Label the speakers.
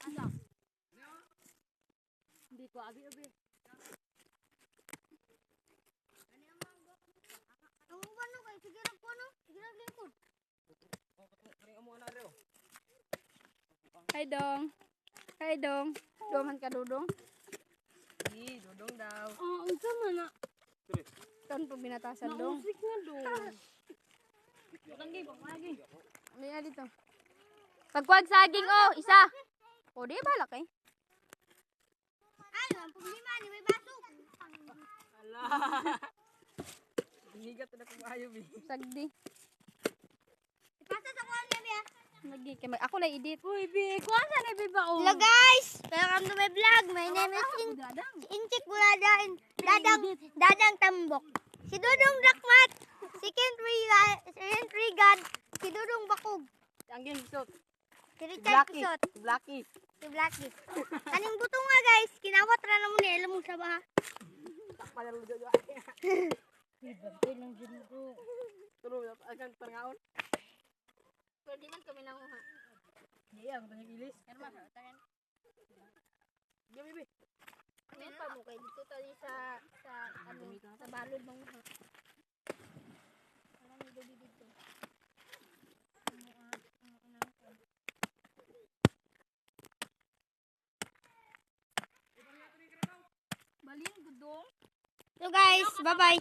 Speaker 1: Asa? Hindi ko abi.
Speaker 2: Ang ano kay sige ra ko no? Sige ra lingkod.
Speaker 1: Hi dong. Hi dong. Doman ka dudong.
Speaker 3: Dudong daw.
Speaker 1: Unsa man na? Ton po binatasan dong. Nausik nga dong. Lagi. May dito. Pagkuag saging isa. O di balak eh.
Speaker 2: Ay, ang problema ni may baso.
Speaker 3: Ala. Hinigat na ko maayo bi.
Speaker 1: Sagdi.
Speaker 2: Ipasa sa kuan niya.
Speaker 1: Lagi kay ako na edit. Uy bi, kuan sa na bi ba o?
Speaker 2: Hello guys, welcome to my vlog. My name is Inchik Buladain. Dadang Tambok. Si Dudong Dakmat. Si Kentry God. Si Dudong Bakog.
Speaker 3: Anggin bisot.
Speaker 2: Si Richard Kusot.
Speaker 3: Blacky.
Speaker 2: Si Blacky. Kaning buto nga guys, kinawat ra na mo ni alam mo sa baha.
Speaker 3: Takpa na lujo jo.
Speaker 1: Bantay lang dyan ko.
Speaker 3: Tulo akan pangaon.
Speaker 2: Pwede man kami nanguha.
Speaker 3: Iya, ang tanya gilis.
Speaker 2: Herman, tangan.
Speaker 3: Diyan bibi.
Speaker 2: Ano pa mo kay dito tayo sa balod manguha. Wala ni Dobi dito.
Speaker 1: Balin gudong.
Speaker 2: So guys, bye-bye.